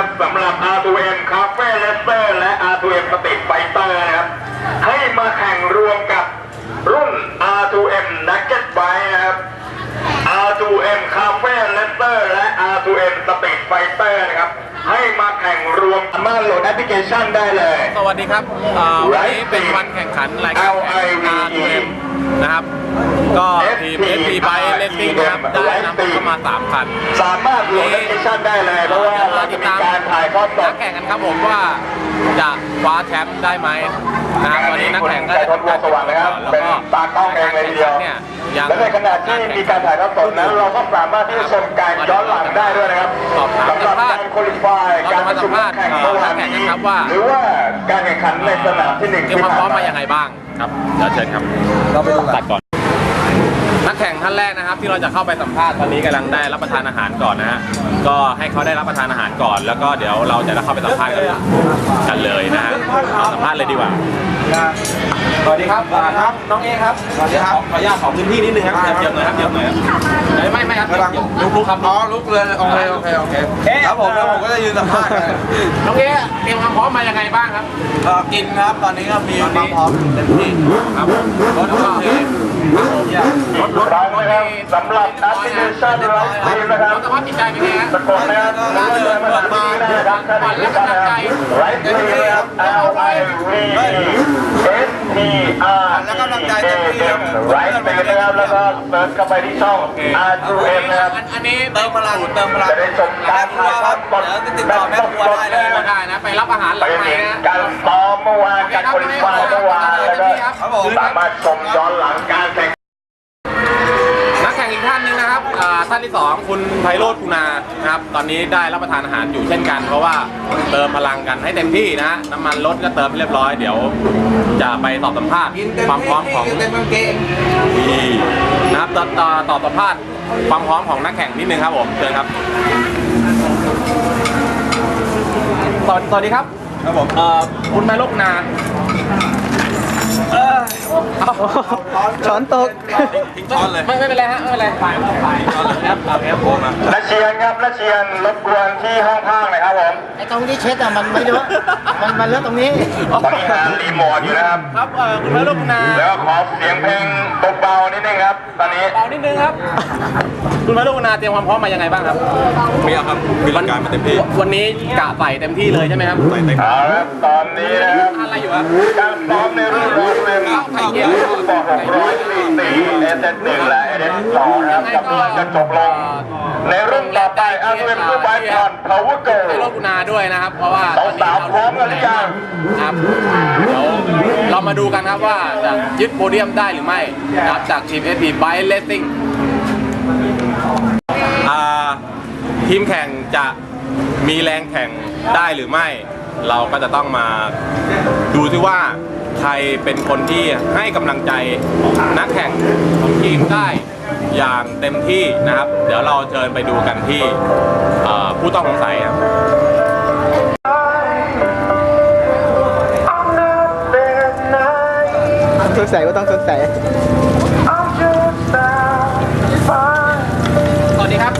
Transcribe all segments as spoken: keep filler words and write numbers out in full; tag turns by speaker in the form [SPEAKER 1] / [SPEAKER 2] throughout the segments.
[SPEAKER 1] นะครับสำหรับ อาร์ ทู เอ็ม Cafe Racer และ อาร์ ทู เอ็ม Street Fighter นะครับให้มาแข่งรวมกับรุ่น อาร์ ทู เอ็ม Naked Bike นะครับ อาร์ ทู เอ็ม Cafe Racer และ อาร์ ทู เอ็ม Street Fighter นะครับให้มาแข่งรวมสามารถโหลดแอปพลิเคชันได้เลย
[SPEAKER 2] สวัสดีครับวันนี้เป็นวันแข่งขันรายการ อาร์ ทู เอ็ม นะครับก็ทีม เอส พี Bike Racing นะครับได้นำเข้ามาสามคัน
[SPEAKER 1] สามารถโหลดแอปพลิเคชันได้เลยเพราะว่าเราจะมีการถ่ายทอดสด
[SPEAKER 2] นักแข่งกันครับผมว่าจะคว้าแชมป์ได้ไหมนะครับตอนนี้นักแข่งก็
[SPEAKER 1] ได้ทดลองสว่างนะครับเป็นตากล้องเองเลยทีเดียวและในขณะที่มีการถ่ายทอดสดนั้นเราก็สามารถที่จะชมการย้อนหลังได้ด้วยนะครับสำหรับการคุริฟายการประชุมแข่งเมื่อวานนี้หรือว่าการแข่งขันในสนามที่หนึ่ง
[SPEAKER 2] ที่ความพร้อมมาอย่างไรบ้างครับเดี๋ยวเชิญครับเราไปดูกันก่อนนักแข่งท่านแรกนะครับที่เราจะเข้าไปสัมภาษณ์ตอนนี้กำลังได้รับประทานอาหารก่อนนะฮะก็ให้เขาได้รับประทานอาหารก่อนแล้วก็เดี๋ยวเราจะเข้าไปสัมภาษณ์กันเลยนะฮะสัมภาษณ์เลยดีกว่าสวัสดีครับครับน้องเอครับสวัสดีครับขออนุญาตขอพื้นที่นิดนึงครับเยอะหน่อยครับเยอะหน่อยไม่ไม่ครับลุกลุกครับ
[SPEAKER 3] อ๋อลุกเลยโอเคโอเคโอเคครับผมแล้วผมก็จะยืนสัมภาษณ์
[SPEAKER 2] น้องเอเตรียมความพร้อมมายังไงบ้างครับ
[SPEAKER 3] กินครับตอนนี้ก็มีความพร้อมเต็มที่
[SPEAKER 2] ครับรถก็
[SPEAKER 1] รถรถนะครับสำหรับนักแข่งขันรถทีมนะครับ
[SPEAKER 2] สภาพจิตใจเป็นไงฮะ
[SPEAKER 1] ตะโกนนะครับรู้เลยมาจากที่นี่นะครับท่านผู้ชมนะครับไรทีมนะครับ L I V S T R E A M ไรทีมนะครับแล้วก็เสิร์ชเข้าไปที่ช่อง อาร์ ทู เอ็ม นะครับ
[SPEAKER 2] อันนี้
[SPEAKER 3] เติมพลังเติมพลัง
[SPEAKER 1] จะได้ชมการถ่ายทอดสดแบบสดๆ
[SPEAKER 2] ได้ได้นะไปรับอาหารหลังไมค์นะ
[SPEAKER 1] การซ้อมเมื่อวานการคุริฟายเมื่อวานแล้วก็สามารถชมย้อนหลังการแข่ง
[SPEAKER 2] นักแข่งอีกท่านหนึ่งนะครับท่านที่สองคุณไพโรจน์คุณานะครับตอนนี้ได้รับประทานอาหารอยู่เช่นกันเพราะว่าเติมพลังกันให้เต็มที่นะน้ำมันรถก็เติมเรียบร้อยเดี๋ยวจะไปตอบสัมภาษณ์ความพร้อมของนี่นะครับตอบตอบสัมภาษณ์ความพร้อมของนักแข่งนิดนึงครับผมเชิญครับสวัสดีครับ
[SPEAKER 3] ครับผม
[SPEAKER 2] คุณไพโรจน์คุณา
[SPEAKER 4] ช้อนตก
[SPEAKER 2] ทิ้งช้อนเลยไม่ไม่เป็นไรฮะไม่เป็นไรถ่ายถ่ายช้อนเลยครับเอาแอปโฟมา
[SPEAKER 1] นักเชียนครับนักเชียนรบกวนที่ห้องข้างหน่อยครับผม
[SPEAKER 4] ไอ้ตรงที่เช็ดอ่ะมันไม่เยอะมันมันเลือกตรงนี้
[SPEAKER 1] ตอนนี้งานรีโมทอยู่นะครับ
[SPEAKER 2] ครับคุณพระลูกนา
[SPEAKER 1] แล้วขอเสียงเพลงเบาๆนิดนึงครับตอนนี้
[SPEAKER 2] เบานิดนึงครับคุณพระลูกนาเตรียมความพร้อมมายังไงบ้างครับ
[SPEAKER 3] มีครับมีร่างกายมาเต็มที่
[SPEAKER 2] วันนี้กะใส่เต็มที่เลยใช่ไหมครับ
[SPEAKER 3] ใส่เต็ม
[SPEAKER 1] เอาละตอนนี้นะครับ
[SPEAKER 2] อะไรอยู่ครับ
[SPEAKER 1] การซ้อมในรุ่นรถเร็วต่อหกร้อยสี่สิบ เอส เอส หนึ่ง และ เอส เอส สองนะครับกำลังจะจบลงในรุ่นต่อไป อาร์ ทู เอ็ม Super Bike ผ่าน Power Go
[SPEAKER 2] ให้รถกุณาด้วยนะครับเพราะว่า
[SPEAKER 1] สาวๆพร้อมกันหรือยัง
[SPEAKER 2] ครับเดี๋ยวเรามาดูกันครับว่าจะยึดโพเดียมได้หรือไม่นะครับจากทีม เอส พี Bike Racing ทีมแข่งจะมีแรงแข่งได้หรือไม่เราก็จะต้องมาดูซิว่าใครเป็นคนที่ให้กำลังใจนักแข่งของทีมได้อย่างเต็มที่นะครับเดี๋ยวเราเชิญไปดูกันที่ผู้ต้องสงสัยครับ
[SPEAKER 4] สงสัยก็ต้องสงสัย
[SPEAKER 2] สวัสดีครับ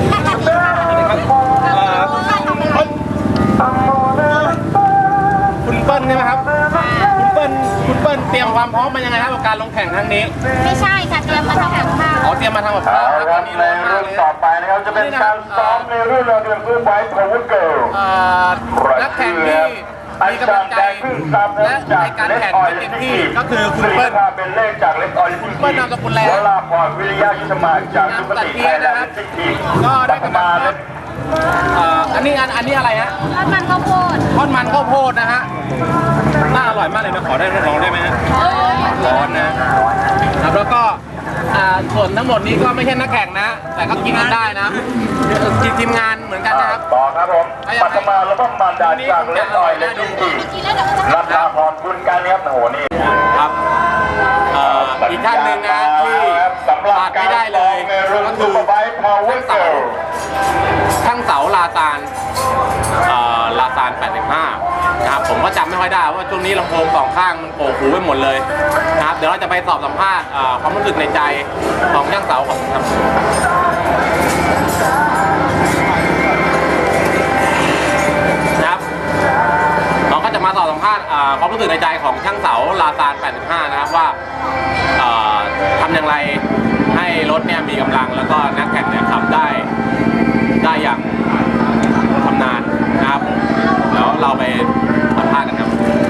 [SPEAKER 2] คุณเปิ้ลใช่ไหมครับคุณเปิ้ลคุณเปิ้ลเตรียมความพร้อมมายังไงครับกับการลงแข่งครั้งนี้
[SPEAKER 5] ไม่ใช่ค่ะเตรียมมาทำกับข้าว
[SPEAKER 2] อ๋อเตรียมมาทำกับข้าว
[SPEAKER 1] ครับในรุ่นต่อไปนะครับจะเป็นการซ้อมในรุ่นเราเรียนรู้ไว้พาวเวอร์เกิร์ล
[SPEAKER 2] นักแข่งที่มีกำลังใจและในการแข่งเต็มที่ก็คือคุณเปิ้ล
[SPEAKER 1] เป็นเลขจากเล็กออริจิน
[SPEAKER 2] เปิ้ลนามสกุลแล้
[SPEAKER 1] วลาพรวิริยะยุทธมาจากสุปฏิไทยและสิทธิ
[SPEAKER 2] ก็ได้กำลังใจอันนี้อันอันนี้อะไรฮะ
[SPEAKER 5] ทอดมันข้าวโพด
[SPEAKER 2] ทอดมันข้าวโพดนะฮะน่าอร่อยมากเลยนะขอได้ลองได้ไหมฮะร้อนนะครับแล้วก็ส่วนทั้งหมดนี้ก็ไม่ใช่นักแข่งนะแต่ก็กินกันได้นะทีมงานเหมือนกันนะครับ
[SPEAKER 1] ต่อครับผมปัตมาแล้วก็มารดาจากเล็กออยและดินทีรัตนาพรคุณการเนี้ยโอ้โหนี่
[SPEAKER 2] ครับอีกท่านหนึ่งนะที่ขาดไม่ได้เลยก็คือทั้งเสาลาซานลาซานแปดสิบห้านะครับผมก็จำไม่ค่อยได้ว่าช่วงนี้ลำโพงสองข้างมันโผล่หูไปหมดเลยนะครับเดี๋ยวเราจะไปสอบสัมภาษณ์ความรู้สึกในใจของช่างเสาของครับสึกในใจของช่างเสาลาซานแปดสิบห้านะครับว่าเอ่อทำอย่างไรให้รถเนี่ยมีกำลังแล้วก็นักแข่งเนี่ยขับได้ได้อย่างชำนาญนะครับผมเดี๋ยวเราไปสัมภาษณ์กันครับ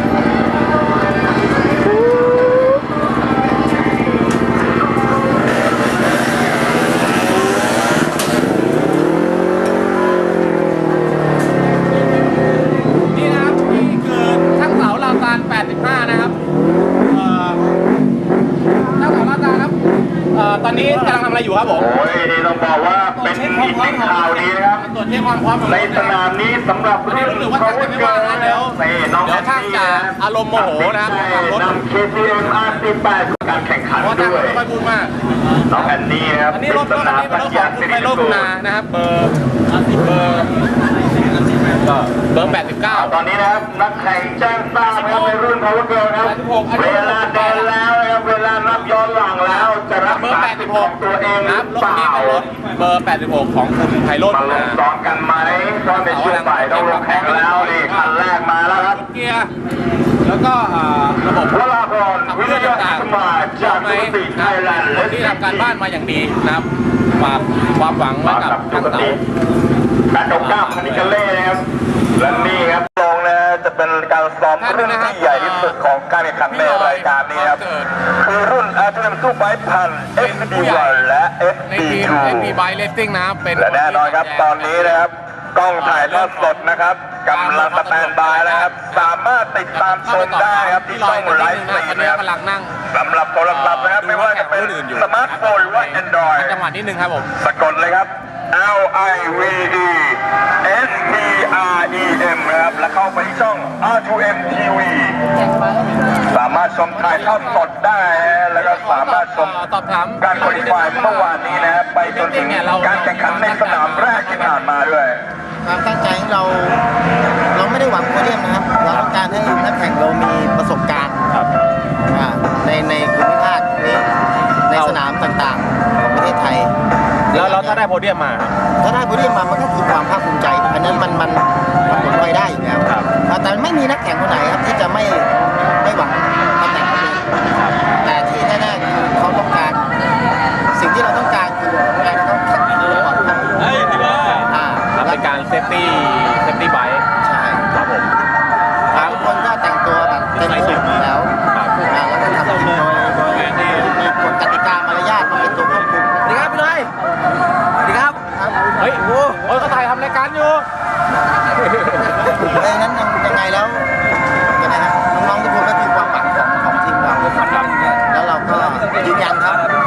[SPEAKER 2] นี่นะครับนี่คือช่างเสาลาซานแปดสิบห้านะครับเอ่อช่างเสาลาซานครับเอ่อตอนนี้กำลังทำอะไรอยู่ครับผม
[SPEAKER 1] โอ้ยนี่ต้องบอกว่าเป็นอีกหนึ่งข่าวดีนะครับ
[SPEAKER 2] ตรวจเช็คความพร้อมของ
[SPEAKER 1] ใน
[SPEAKER 2] รถ
[SPEAKER 1] สนามนี้สำหรับ
[SPEAKER 2] วันนี้
[SPEAKER 1] รุ่น
[SPEAKER 2] รู้สึกว่า
[SPEAKER 1] เขา
[SPEAKER 2] จะไม่ว่างนะเดี๋ยว
[SPEAKER 1] นี่น้อง
[SPEAKER 2] เดี๋ยวช่างจะอารมณ์โมโหนะครับ
[SPEAKER 1] ตัด
[SPEAKER 2] ขับรถ
[SPEAKER 1] สินใจนำ เค ที เอ็ม อาร์ สิบแปด การแข่งขัน
[SPEAKER 2] เพราะช่าง
[SPEAKER 1] ด้วย
[SPEAKER 2] ไม่ค่อยพูดมาก
[SPEAKER 1] น้องแอนนี่นะครับ
[SPEAKER 2] อันนี้รถรถอันนี้เป็นรถของคุณไมโลกุณานะครับเบอร์เบอร์ก็เบอร์แปดสิบเก้า
[SPEAKER 1] ตอนนี้นะครับนักแข่งแจ้งทราบนะครับในรุ่น Power Girl ครับ
[SPEAKER 2] แปดสิบหกอันนี้
[SPEAKER 1] เวลาเดินแล้วนะครับเวลานับย้อนหลังแล้วจะรัก
[SPEAKER 2] เบอร์
[SPEAKER 1] ษา
[SPEAKER 2] แปดสิบห
[SPEAKER 1] ขอก งตัวเองห
[SPEAKER 2] นะค
[SPEAKER 1] รื
[SPEAKER 2] รับ
[SPEAKER 1] อ
[SPEAKER 2] รถ
[SPEAKER 1] เป
[SPEAKER 2] คัน
[SPEAKER 1] ล่า
[SPEAKER 2] นี้เป็นรถเบอร์แปดสิบหกของคุณไพโรจน์
[SPEAKER 1] มาล
[SPEAKER 2] นะ
[SPEAKER 1] งซ้อมกันไหมเพราะในช่วงบ่ายต้องลงแข่งแล้วนี่คันแรกมาแล้วครับ
[SPEAKER 2] เกียร์แล้วก็อ่าระบบ
[SPEAKER 1] วราพร
[SPEAKER 2] ขับ
[SPEAKER 1] วิ
[SPEAKER 2] เคลื่
[SPEAKER 1] ท
[SPEAKER 2] อน
[SPEAKER 1] ยา
[SPEAKER 2] ต่าง
[SPEAKER 1] สมาจาก
[SPEAKER 2] ไหม
[SPEAKER 1] สุติไทยแลนด์
[SPEAKER 2] คนที่ทำการบ้านมาอย่างดีนะครับฝากความหวังไว้
[SPEAKER 1] มา
[SPEAKER 2] กับ
[SPEAKER 1] กับสุ
[SPEAKER 2] ทาง
[SPEAKER 1] ก
[SPEAKER 2] เสา
[SPEAKER 1] ติแปดเก้าคานิกาเล่นะครับและนี่ครับลงนะจะเป็นการซ้อมรุ่นที่ใหญ่ที่สุดของการแข่งขันในรายการนี้ครับคือรุ่น อาร์ ที เอ็ม Super Bike พัน เอฟ ดี วัน และ เอฟ
[SPEAKER 2] ใน
[SPEAKER 1] ดี
[SPEAKER 2] ทีม
[SPEAKER 1] ทู
[SPEAKER 2] เอ็มพีไบค์เลสซิ่งนะครับเป็น
[SPEAKER 1] และแน่นอนครับตอนนี้นะครับกล้องถ่ายทอดสดนะครับกำลังสแตนบายแล้วครับสามารถติดตามชมได้ครับที่ช่องไลฟ์สตรี
[SPEAKER 2] ตอน
[SPEAKER 1] ม
[SPEAKER 2] นี้
[SPEAKER 1] นะครับ
[SPEAKER 2] กำลังนั่ง
[SPEAKER 1] สำหรับโทรศัพท์นะครับไม่ว่าจะเป็นสมาร์ทโฟนหรือว่า Android
[SPEAKER 2] จังหวะนิดนึงครับผม
[SPEAKER 1] สะกดเลยครับ L I V E S T R E M นะครับแล้วเข้าไปที่ช่อง อาร์ ทู เอ็ม ที วี สามารถชมถ่ายทอดสดได้นะแล้วก็สามารถชม
[SPEAKER 2] สอบถาม
[SPEAKER 1] การคุริฟายเมื่อวานนี้นะครับไปจนถึงการแข่งขันในสนามแรกที่ผ่านมาด้วย
[SPEAKER 4] ความตั้งใจของเรา เราไม่ได้หวังโพเดียมนะครับ เราต้องการให้นักแข่งเรามีประสบการณ์อ่าในในภูมิภาคนี้ในสนามต่างๆของประเทศไทย
[SPEAKER 2] แล้วเราถ้าได้โพเดียมมา
[SPEAKER 4] ถ้าได้โพเดียมมามันก็คือความภาคภูมิใจ อันนั้นมันมันมันผลพลอยได้อยู่แล้ว
[SPEAKER 2] ครับ
[SPEAKER 4] อ่าแต่ไม่มีนักแข่งคนไหนครับที่จะไม่ไม่หวังตำแหน่งนี้แต่ที่แน่ๆคือเขาต้องการ สิ่งที่เราต้องการคือการเขาแข่งขันโดยปลอดภัยอ่า
[SPEAKER 2] ครับเป็นการเซฟตี้เซฟตี้ไบค์
[SPEAKER 4] ใช่
[SPEAKER 2] ครับผม
[SPEAKER 4] ทุกคนก็แต่งตัวแบบเต็มสูทอยู่แล้ว
[SPEAKER 2] ครับ
[SPEAKER 4] อ่าแล้วก็ทำทีมโดยมีกฎกติกามารยาทมาเป็นตัวควบคุม
[SPEAKER 2] สวัสดีครับพี่น้อยสวัสดีครับ
[SPEAKER 4] ครับ
[SPEAKER 2] เฮ้ยโอ้โหเขาถ่ายทำรายการอยู่
[SPEAKER 4] เพราะฉะนั้นยังยังไงแล้วยังไงครับน้องๆทุกคนก็คือความหวังของของทีมเรา
[SPEAKER 2] ครับ
[SPEAKER 4] แล้วเราก็ยืนยันครับ